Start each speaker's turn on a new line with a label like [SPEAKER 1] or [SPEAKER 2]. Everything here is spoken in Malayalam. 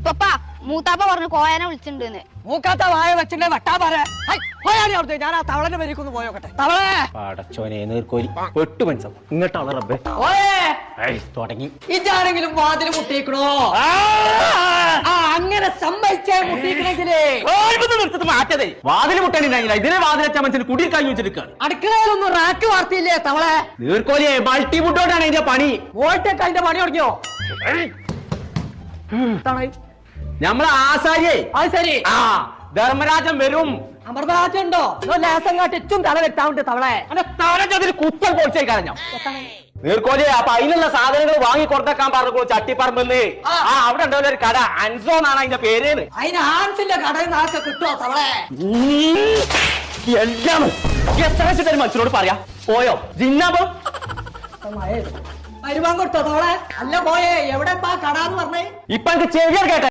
[SPEAKER 1] ഉപ്പ മൂത്താപ്പ പറഞ്ഞു കോയനെ വിളിച്ചിട്ടുണ്ടെന്ന്.
[SPEAKER 2] മൂക്കാത്ത വായ വെച്ചിട്ട് വട്ടാ പറ ഞാൻ ആ തവളന്റെ പേരിക്കൊന്ന് പോയോക്കട്ടെ. തവളേ
[SPEAKER 3] പടച്ചോനെ നീർക്കോലി 8 മനസ്സം ഇങ്ങോട്ടാണ് റബ്ബേ തുടങ്ങി.
[SPEAKER 2] ഇതാരെങ്കിലും വാതിൽ മുട്ടിക്കണോ? അങ്ങനെ സമ്മതിച്ചേ മുട്ടിക്കണെങ്കിലേ
[SPEAKER 3] മാറ്റതേ വാതിൽ മുട്ടാനില്ല. ഇതിനെ വാതിലച്ച മനസ്സിന് കുടിയിൽ കഴിഞ്ഞു വെച്ചെടുക്കാണ്.
[SPEAKER 2] അടുക്കളയിലൊന്നും റാക്ക് വാർത്തിയില്ലേ തവളെ?
[SPEAKER 3] നീർക്കോലിയെ മൾട്ടി ഫുഡോട്ടാണ് ഇതിന്റെ പണി.
[SPEAKER 2] വോൾട്ടൊക്കെ അതിന്റെ പണി തുടങ്ങിയോ?
[SPEAKER 3] നമ്മളെ ആസാരിയെ
[SPEAKER 2] അത് ശരി.
[SPEAKER 3] ധർമ്മരാജൻ വരും.
[SPEAKER 2] അമൃതരാജൻ ഉണ്ടോ? ലേസം കാട്ടിച്ചും തല വെട്ടാവുണ്ട് തവളെ.
[SPEAKER 3] തലച്ചതിൽ കുറ്റം പൊളിച്ചായി കളഞ്ഞ നീർക്കോലിയെ. അപ്പൊ അതിനുള്ള സാധനങ്ങൾ വാങ്ങി കൊടുത്തേക്കാൻ പറഞ്ഞു ചട്ടിപ്പറമ്പെന്ന്. അവിടെ ഉണ്ടാവില്ല ഒരു കട, അൻസോ എന്നാണ് അതിന്റെ പേര്.
[SPEAKER 2] അതിന് ഹാൻസിന്റെ കടയിൽ നാളെ കിട്ടുമോ തവളെ?
[SPEAKER 3] എല്ലാം എത്ര മനുഷ്യനോട് പറയാ പോയോ ജിന്നാബം
[SPEAKER 2] വരുമാൻ കൊടുത്തോ തവളെ? അല്ല പോയേ എവിടെ കട എന്ന് പറഞ്ഞേ?
[SPEAKER 3] ഇപ്പൊ എനിക്ക് ചെവിയാർ കേട്ടെ.